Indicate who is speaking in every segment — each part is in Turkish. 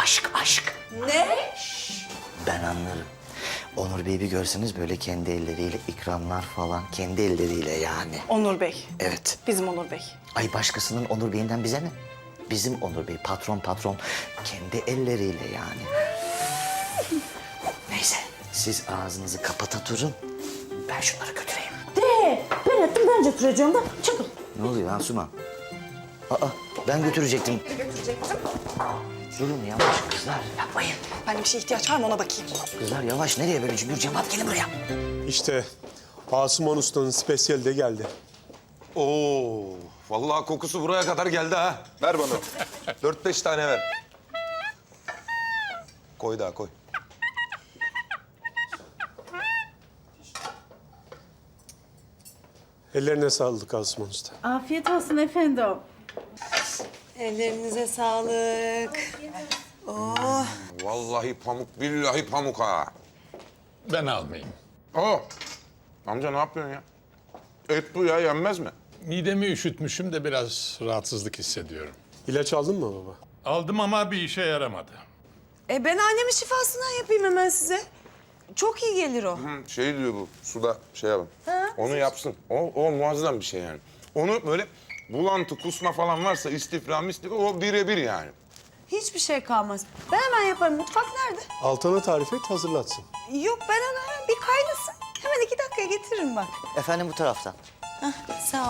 Speaker 1: Aşk, aşk.
Speaker 2: Ne?
Speaker 1: Ben anlarım. Onur Bey'i bir görseniz böyle kendi elleriyle ikramlar falan. Kendi elleriyle yani.
Speaker 3: Onur Bey.
Speaker 1: Evet.
Speaker 3: Bizim Onur Bey.
Speaker 1: Ay başkasının Onur Bey'inden bize ne? Bizim Onur Bey patron patron. Kendi elleriyle yani. Neyse siz ağzınızı kapata durun. Ben şunları götüreyim.
Speaker 2: Ben ettim, ben götüreceğim de. Çıkın.
Speaker 1: Ne oluyor Asuman? Aa ben götürecektim. Durun yavaş kızlar yapmayın.
Speaker 3: Ben bir şeye ihtiyaç var mı ona bakayım.
Speaker 1: Kızlar yavaş nereye böyle cümbür cemaat gelin buraya.
Speaker 4: İşte Asuman Usta'nın spesiyeli de geldi.
Speaker 5: Oo, vallahi kokusu buraya kadar geldi ha. Ver bana. 4-5 tane ver. Koy daha koy.
Speaker 4: Ellerine sağlık Asuman Usta.
Speaker 2: Afiyet olsun efendim.
Speaker 6: Ellerinize sağlık.
Speaker 5: Vallahi pamuk, billahi pamuk ha.
Speaker 7: Ben almayayım.
Speaker 5: Oo, amca ne yapıyorsun ya? Et bu ya, yenmez mi?
Speaker 7: Midemi üşütmüşüm de biraz rahatsızlık hissediyorum.
Speaker 4: İlaç aldın mı baba?
Speaker 7: Aldım ama bir işe yaramadı.
Speaker 6: Ben annemin şifasından yapayım hemen size. Çok iyi gelir o.
Speaker 5: Hı, şey diyor bu, suda şey yapın. Onu yapsın. O muazzam bir şey yani. Onu böyle bulantı, kusma falan varsa istifra, o birebir yani.
Speaker 6: Hiçbir şey kalmaz. Ben hemen yaparım. Mutfak nerede?
Speaker 4: Altan'a tarif et, hazırlatsın.
Speaker 6: Yok, ben onu hemen bir kaynasın. Hemen 2 dakikaya getiririm bak.
Speaker 1: Efendim bu taraftan.
Speaker 6: Sağ ol.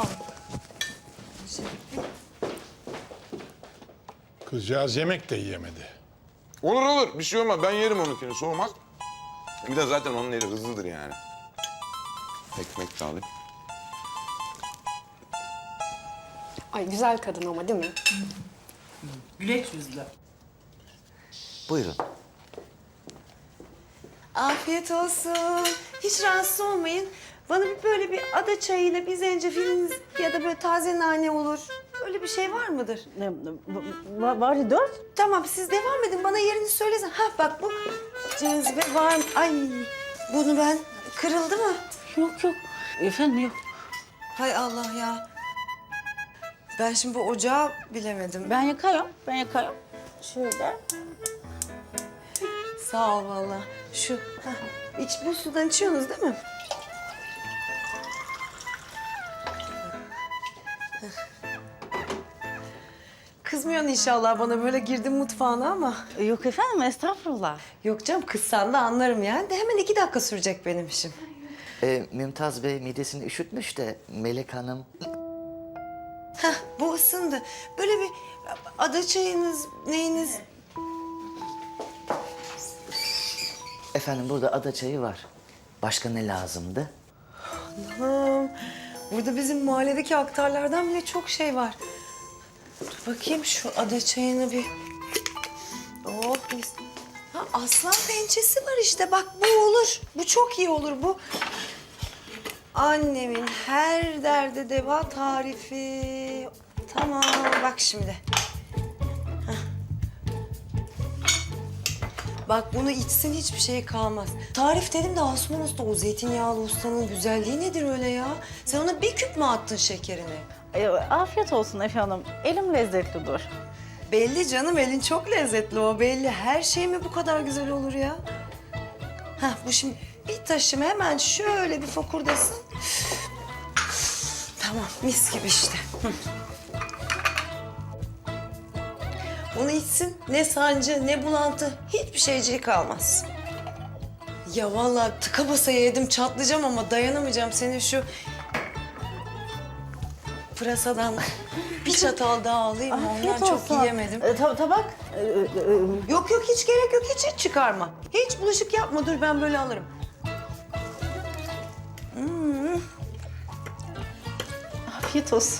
Speaker 7: Kızcağız yemek de yiyemedi.
Speaker 5: Olur olur, bir şey olmaz. Ben yerim onunkini, soğumaz. Bir de zaten onun eli hızlıdır yani. Ekmek de alayım.
Speaker 8: Ay güzel kadın ama değil mi?
Speaker 2: Güleç yüzlü.
Speaker 1: Buyurun.
Speaker 6: Afiyet olsun. Hiç rahatsız olmayın. Bana böyle bir ada çayıyla bir zencefiliniz ya da böyle taze nane olur. Öyle bir şey var mıdır?
Speaker 2: Var ya 4.
Speaker 6: Tamam, siz devam edin. Bana yerini söylesin. Ha bak bu cazibe var. Ay bunu ben... Kırıldı mı?
Speaker 2: Yok yok. Efendim yok.
Speaker 6: Hay Allah ya. Ben şimdi bu ocağı bilemedim.
Speaker 2: Ben yakarım. Şöyle.
Speaker 6: Sağ ol vallahi. Şu, bu sudan içiyorsunuz değil mi? Kızmıyorsun inşallah bana böyle girdim mutfağına ama.
Speaker 2: Yok efendim, estağfurullah.
Speaker 6: Yok canım, kızsan da anlarım yani. De hemen 2 dakika sürecek benim işim.
Speaker 1: Mümtaz Bey midesini üşütmüş de Melek Hanım.
Speaker 6: Bu ısındı. Böyle bir ada çayınız, neyiniz?
Speaker 1: Efendim burada ada çayı var. Başka ne lazımdı?
Speaker 6: Burada bizim mahalledeki aktarlardan bile çok şey var. Dur bakayım şu ada çayını bir... Oh mis. Aslan pençesi var işte. Bak bu olur. Bu çok iyi olur bu. Annemin her derde deva tarifi. Tamam bak şimdi. Bak bunu içsin hiçbir şey kalmaz. Tarif dedim de Asuman Usta, o zeytinyağlı ustanın güzelliği nedir öyle ya? Sen ona bir küp mü attın şekerini?
Speaker 2: Afiyet olsun efendim. Elim lezzetlidir.
Speaker 6: Belli canım, elin çok lezzetli o belli. Her şey mi bu kadar güzel olur ya? Bu şimdi bir taşım hemen şöyle bir fokurdasın. Tamam, mis gibi işte. Onu içsin, ne sancı, ne bulantı, hiçbir şeyciği kalmaz. Ya vallahi tıka basa yedim, çatlayacağım ama dayanamayacağım. Senin şu pırasadan bir çatal daha alayım mı? Ondan çok yiyemedim.
Speaker 2: Tabak.
Speaker 6: Yok yok, hiç gerek yok, hiç çıkarma. Hiç bulaşık yapma, dur ben böyle alırım.
Speaker 2: Afiyet olsun.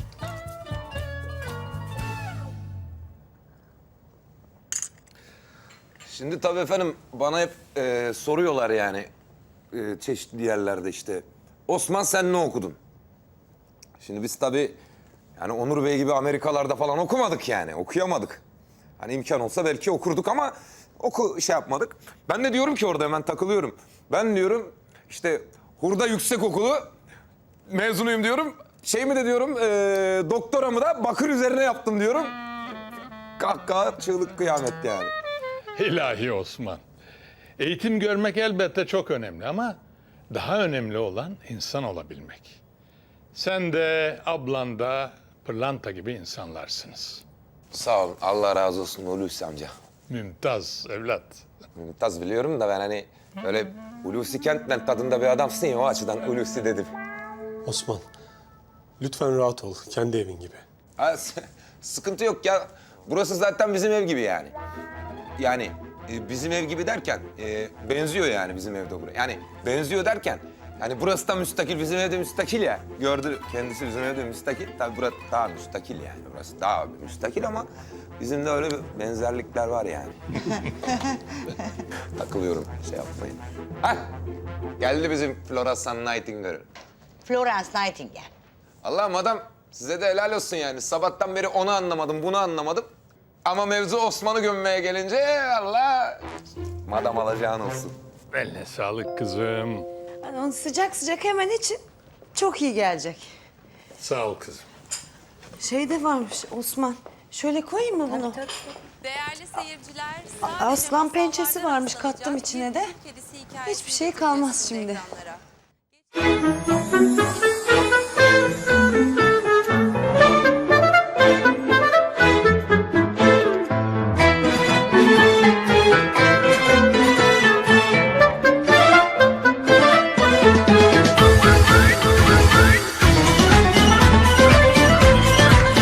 Speaker 5: Şimdi tabii efendim bana hep soruyorlar yani çeşitli yerlerde işte. Osman sen ne okudun? Şimdi biz tabii yani Onur Bey gibi Amerikalarda falan okumadık yani, okuyamadık. Hani imkan olsa belki okurduk ama şey yapmadık. Ben de diyorum ki orada hemen takılıyorum. Ben diyorum işte Hurda Yüksekokulu mezunuyum diyorum. Şey mi de diyorum doktoramı da bakır üzerine yaptım diyorum. Kahkaha çığlık kıyamet yani.
Speaker 7: İlahi Osman. Eğitim görmek elbette çok önemli ama daha önemli olan insan olabilmek. Sen de ablan da pırlanta gibi insanlarsınız.
Speaker 5: Sağ ol. Allah razı olsun Hulusi amca.
Speaker 7: Mümtaz evlat.
Speaker 5: Mümtaz biliyorum da ben hani öyle Hulusi Kentmen tadında bir adamsın ya o açıdan Hulusi dedim.
Speaker 4: Osman, lütfen rahat ol. Kendi evin gibi.
Speaker 5: Ha, sıkıntı yok ya. Burası zaten bizim ev gibi yani. Yani bizim ev gibi derken benziyor yani bizim evde buraya. Yani benziyor derken yani burası da müstakil, bizim evde müstakil ya. Gördü kendisi bizim evde müstakil. Tabii burası daha müstakil yani. Burası daha müstakil ama bizim de öyle bir benzerlikler var yani. Takılıyorum şey yapmayın. Hah! Geldi bizim Florence Nightingale.
Speaker 9: Florence Nightingale.
Speaker 5: Allah'ım adam size de helal olsun yani. Sabahtan beri onu anlamadım, bunu anlamadım. Ama mevzu Osman'ı gömmeye gelince Allah madam alacağın olsun.
Speaker 7: Eline sağlık kızım.
Speaker 6: Yani onu sıcak sıcak hemen için çok iyi gelecek.
Speaker 7: Sağ ol kızım.
Speaker 6: Şey de varmış Osman. Şöyle koyayım mı bunu?
Speaker 10: Değerli seyirciler,
Speaker 6: aslan pençesi varmış, kattım içine de. Hiçbir şey kalmaz şimdi.
Speaker 10: Ekranlara.